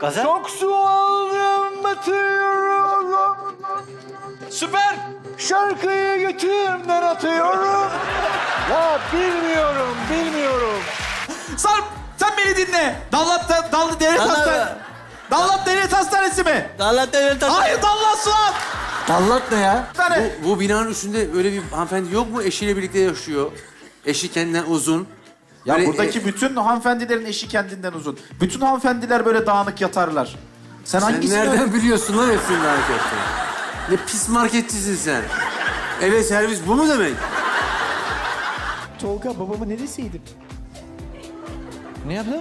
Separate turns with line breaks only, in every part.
Gaza?
Çok su aldım batıyorum.
Süper.
Şarkıyı götümden atıyorum. Ya bilmiyorum.
Sarp sen beni dinle. Dallat Devlet Hastanesi. Dallat Devlet Hastanesi mi?
Dallat Devlet Hastanesi.
Hayır Dallat Suat.
Dallat ne ya?
Bir tane.
Bu binanın üstünde öyle bir hanımefendi yok mu? Eşiyle birlikte yaşıyor. Eşi kendinden uzun.
Ya
Böyle,
buradaki bütün hanımefendilerin eşi kendinden uzun. Bütün hanımefendiler böyle dağınık yatarlar. Sen
sen
hangisini...
nereden biliyorsun lan hepsinin hareketini? Ne pis marketçisin sen. Eve servis bu mu demek?
Tolga babama ne deseydim?
Ne yaptın?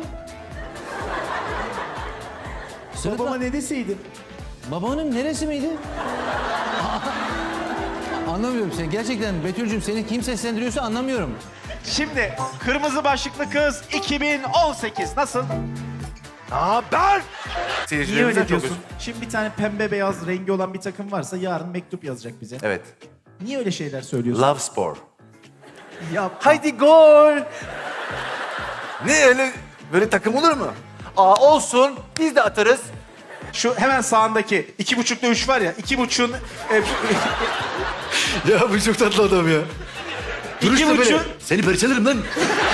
Babama ne deseydim?
Babanın neresi miydi? Anlamıyorum seni. Gerçekten Betül'cüğüm seni kim seslendiriyorsa anlamıyorum.
Şimdi Kırmızı Başlıklı Kız 2018 nasıl? Niye öyle diyorsun? Şimdi bir tane pembe beyaz rengi olan bir takım varsa yarın mektup yazacak bize.
Evet.
Niye öyle şeyler söylüyorsun?
Love Spor.
Ya
Haydi gol. Ne öyle böyle takım olur mu? Aa olsun. Biz de atarız.
şu hemen sağındaki 2.5'da 3 var ya 2.5'un
Ya bu çok tatlı adam ya.
İki buçuk.
Seni parçalarım lan.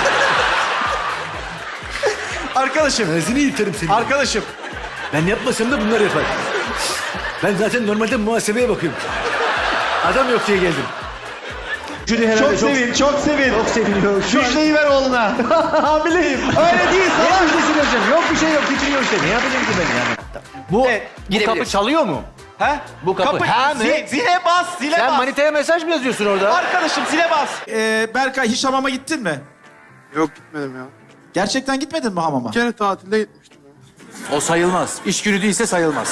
arkadaşım.
Ağzını yırtarım seni.
Arkadaşım.
Ben yapmasam da bunlar yapar. Ben zaten normalde muhasebeye bakıyorum. Adam yok diye geldim.
Çok sevin, çok sevin.
Çok seviniyor.
Müjdeyi ver oğluna. Hamileyim.
Öyle değil. Sana müjdesi vereceğim. Yok bir şey yok. Titriyor işte. Ne yapayım ki ben yani?
Bu
kapı çalıyor mu?
He?
Bu kapı. Ha mı?
Zile bas, zile
Sen
bas.
manitaya mesaj mı yazıyorsun orada?
Arkadaşım zile bas. Berkay hiç hamama gittin mi?
Yok gitmedim ya.
Gerçekten gitmedin mi hamama?
Bir kere tatilde gitmiştim ya.
O sayılmaz. İş günü değilse sayılmaz.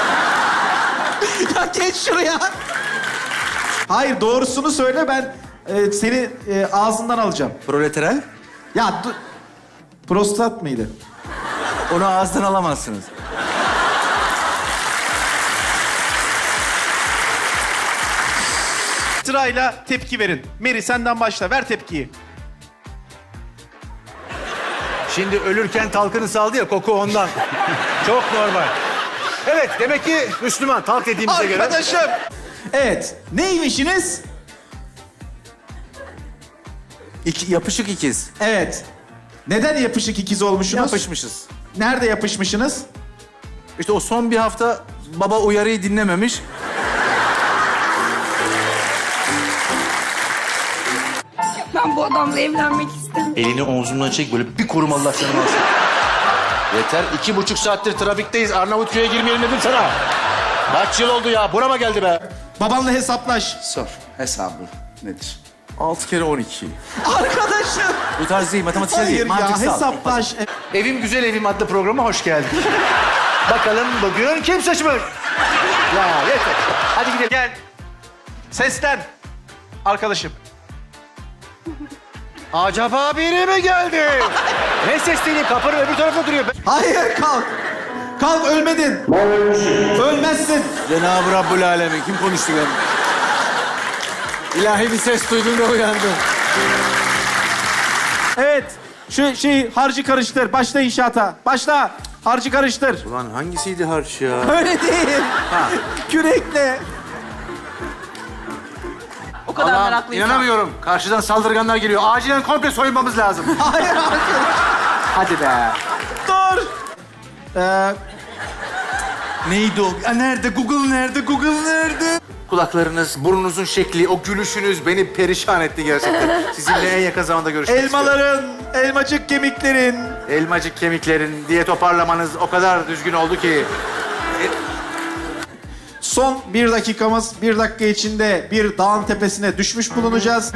Ya geç şuraya. Hayır doğrusunu söyle ben seni ağzından alacağım.
Proleterel.
Ya prostat mıydı?
Onu ağızdan alamazsınız.
Sırayla tepki verin. Meri senden başla ver tepkiyi.
Şimdi ölürken talkını saldı ya koku ondan. Çok normal. Evet demek ki Müslüman talk dediğimize göre.
Arkadaşım. Evet neymişsiniz?
Yapışık ikiz.
Evet. Neden yapışık ikiz olmuşsunuz?
Yapışmışız.
Nerede yapışmışsınız?
İşte o son bir hafta baba uyarıyı dinlememiş.
Ben bu adamla evlenmek istemiyorum.
Elini omzumdan çek böyle bir korum Allah canımı alsın. Yeter 2,5 saattir trafikteyiz. Arnavutköy'e girmeyelim dedim sana. Kaç yıl oldu ya? Burama geldi be.
Babanla hesaplaş.
Sor. Hesabı nedir? 6 kere 12.
Arkadaşım.
Bu tarz değil, matematiksel değil.
Hayır ya
Mantıksal.
hesaplaş.
Evim Güzel Evim adlı programa hoş geldin. Bakalım bugün kim seçmiş? Ya yeter. Hadi gidelim.
Gel. Seslen. Arkadaşım.
Acaba biri mi geldi? Ne sesleneyim? Kapının öbür tarafında duruyor.
Hayır kalk. Kalk ölmedin. Ölmezsin.
Cenab-ı Rabbül Alemin. Kim konuştu ben? İlahi bir ses duydum da uyandım.
Evet. Şu şeyi harcı karıştır. Başla inşaata. Başla. Harcı karıştır.
Ulan hangisiydi harç ya?
Öyle değil. Kürekle.
O kadar
Allah'ım,
meraklıyım.
inanamıyorum. Karşıdan saldırganlar geliyor. Acilen komple soyunmamız lazım.
Hayır arkadaş.
Hadi be.
Dur.
Neydi o? Ya nerede? Google nerede? Google nerede? Kulaklarınız, burnunuzun şekli, o gülüşünüz beni perişan etti gerçekten. Sizinle en yakın zamanda görüşmek istiyorum.
Elmaların, elmacık kemiklerin.
Elmacık kemiklerin diye toparlamanız o kadar düzgün oldu ki.
Son 1 dakikamız. 1 dakika içinde bir dağın tepesine düşmüş bulunacağız.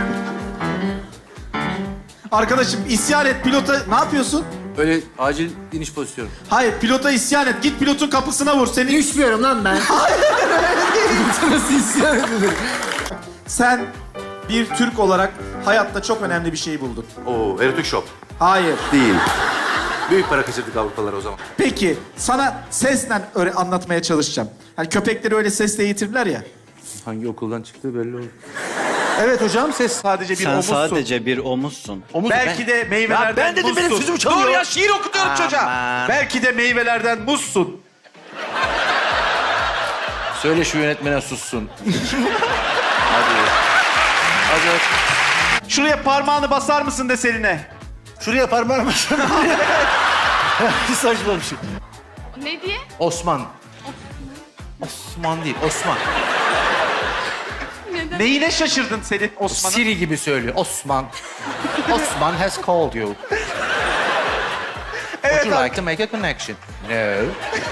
Arkadaşım isyan et pilota. Ne yapıyorsun?
Öyle acil iniş pozisyonu.
Hayır pilota isyan et. Git pilotun kapısına vur. Seni...
Düşmüyorum lan ben. Nasıl isyan edilir?
Sen bir Türk olarak hayatta çok önemli bir şey buldun.
Oo, erotik shop.
Hayır.
Değil. Büyük para kaçırdık Avrupalılar o zaman.
Peki sana sesle öyle anlatmaya çalışacağım. Hani köpekleri öyle sesle eğitirler ya.
Hangi okuldan çıktığı belli oldu. Evet hocam ses.
Sadece bir
Sen
omuzsun.
sadece bir omuzsun.
Omuz
Belki de meyvelerden
Ya ben dedim, benim
muzsun.
sözümü çalıyor.
Dur ya şiir okutuyorum çocuğa.
Aman.
Belki de meyvelerden muzsun.
Söyle şu yönetmene sussun. Hadi. Hadi.
Şuraya parmağını basar mısın deseline?
Şuraya parmağını basın. Bir saçma bir şey.
Ne diye?
Osman. Osman değil, Osman.
Neyine şaşırdın senin Osman'ın?
Siri gibi söylüyor. Osman. Osman has called you. Would you like to make a connection? No.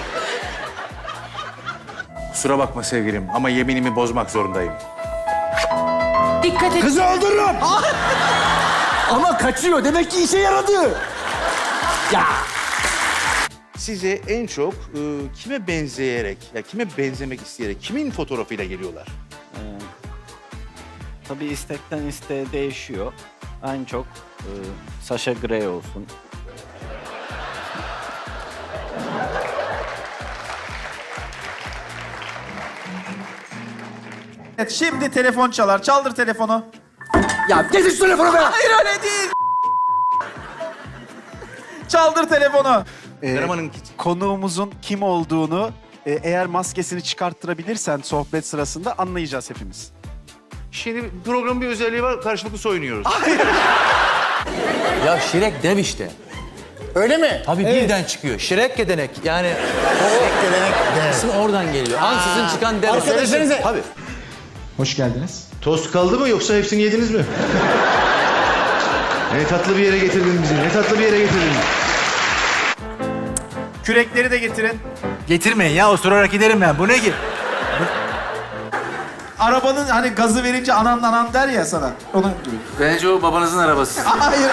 Kusura bakma sevgilim ama yeminimi bozmak zorundayım.
Dikkat et.
Kızı öldürürüm. Ama kaçıyor. Demek ki işe yaradı. Ya.
Size en çok kime benzeyerek, ya kime benzemek isteyerek, kimin fotoğrafıyla geliyorlar?
Tabii istekten isteğe değişiyor. En çok Sasha Grey olsun.
Evet, şimdi telefon çalar. Çaldır telefonu.
Ya getir şu telefonu be.
Hayır öyle değil. Çaldır telefonu.
Karaman'ın
Konuğumuzun kim olduğunu eğer maskesini çıkarttırabilirsen sohbet sırasında anlayacağız hepimiz.
Şimdi programın bir özelliği var, karşılıklı soyunuyoruz.
Ya Şirek dev işte.
Öyle mi?
Tabii birden çıkıyor. Şirek gedenek. Yani ismi oradan geliyor. Ansızın çıkan dev.
Söylesenize.
Tabii.
Hoş geldiniz.
Tost kaldı mı yoksa hepsini yediniz mi? Ne tatlı bir yere getirdin bizi, ne tatlı bir yere getirdin.
Kürekleri de getirin.
getirmeyin ya, osurarak giderim ben. Bu ne ki?
Arabanın hani gazı verince anan der ya sana. Onun gibi.
Bence o babanızın arabası.
Hayır.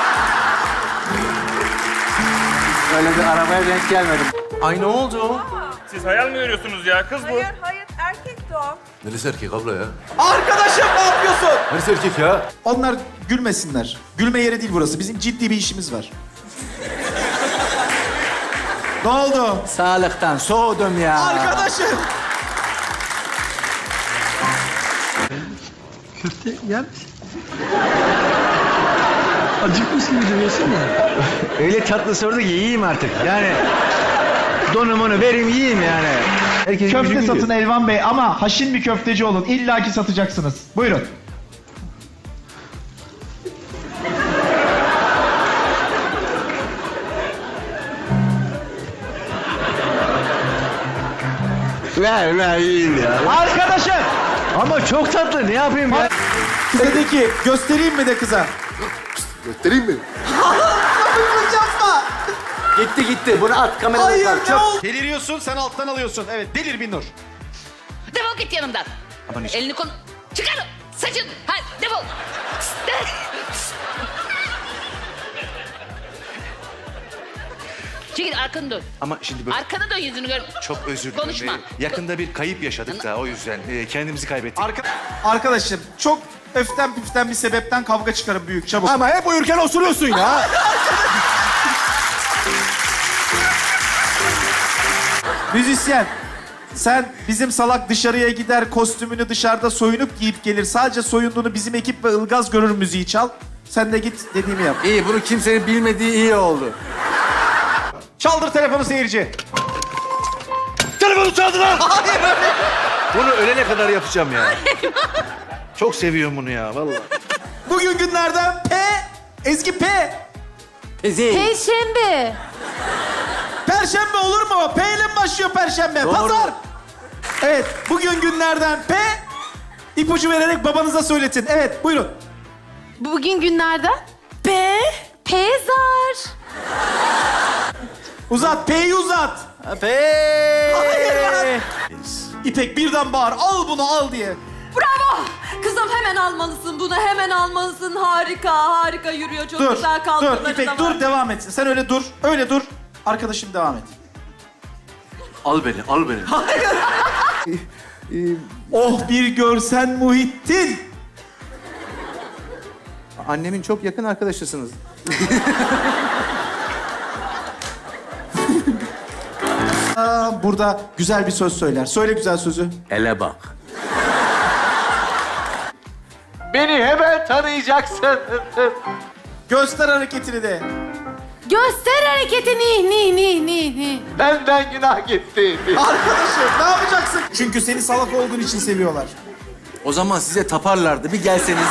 Öyle bir arabaya denk gelmedim. Ay ne oldu o?
Siz hayal mi görüyorsunuz ya? Kız bu.
Hayır erkekti o.
Neresi erkek abla ya?
Arkadaşım ne yapıyorsun?
Neresi erkek ya?
Onlar gülmesinler. Gülme yeri değil burası. Bizim ciddi bir işimiz var. Ne oldu?
Sağlıktan soğudum ya.
Arkadaşım.
Öyle tatlı sordu ki yiyeyim artık. Yani donumunu vereyim yiyeyim yani. Herkesin
Köfte
gücü
satın
gidiyor.
Elvan Bey ama haşin bir köfteci olun. İlla ki satacaksınız. Buyurun.
Ver yiyeyim ya.
Arkadaşım!
Ama çok tatlı, ne yapayım ya?
Kıza de ki göstereyim mi de kıza?
Göstereyim mi?
Yapma.
Gitti. Bunu at kameraya.
Hayır
bak,
ne
çok-
oldu?
Deliriyorsun, sen alttan alıyorsun. Evet, delir bir nur.
Defol git yanımdan. Elini kol... Çıkar! Saçın! Hadi defol! Çekil arkanı dön.
Ama şimdi böyle
Arkanı dön yüzünü gör.
çok özür dilerim.
Konuşma.
Yakında bir kayıp yaşadık da o yüzden kendimizi kaybettik.
Arkadaşım çok öften püften bir sebepten kavga çıkarın büyük çabuk.
Ama hep uyurken osuruyorsun ya.
Müzisyen. Sen bizim salak dışarıya gider kostümünü dışarıda soyunup giyip gelir. Sadece soyunduğunu bizim ekip ve Ilgaz görür müziği çal. Sen de git dediğimi yap.
İyi, bunu kimsenin bilmediği iyi oldu.
Çaldır telefonu seyirci.
Telefonu çaldı lan! Bunu ölene kadar yapacağım ya. Çok seviyorum bunu ya vallahi.
Bugün günlerden P. Ezgi P.
Perşembe.
Perşembe olur mu? P ile mi başlıyor Perşembe? Pazar. Evet, bugün günlerden P. İpucu vererek babanıza söyletin. Evet, buyurun.
Bugün günlerden? Pezar.
Uzat, P'yi uzat. Hayır. İpek birden bağır, al bunu al diye.
Bravo. Kızım hemen almalısın bunu, hemen almalısın. Harika yürüyor. Çok
Dur,
güzel
dur
kalkınları
İpek
da var.
dur, devam etsin. Sen öyle dur, öyle dur. Arkadaşım devam et.
Al beni, al beni.
Oh bir görsen Muhittin.
Annemin çok yakın arkadaşısınız.
Burada güzel bir söz söyler. Söyle güzel sözü.
Ele bak. Beni hemen tanıyacaksın.
Göster hareketini de.
Göster hareketini.
Benden günah gitti.
Arkadaşım ne yapacaksın? Çünkü seni salak olduğun için seviyorlar.
O zaman size taparlardı. Bir gelseniz.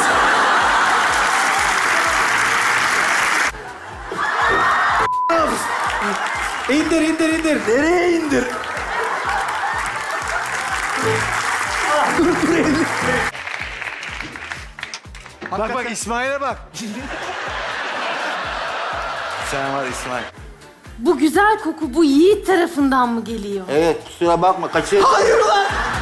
İndir.
Nereye indir?
Bak İsmail'e bak.
Sen var İsmail.
Bu güzel koku bu Yiğit tarafından mı geliyor?
Evet kusura bakma kaçır.
Hayır lan!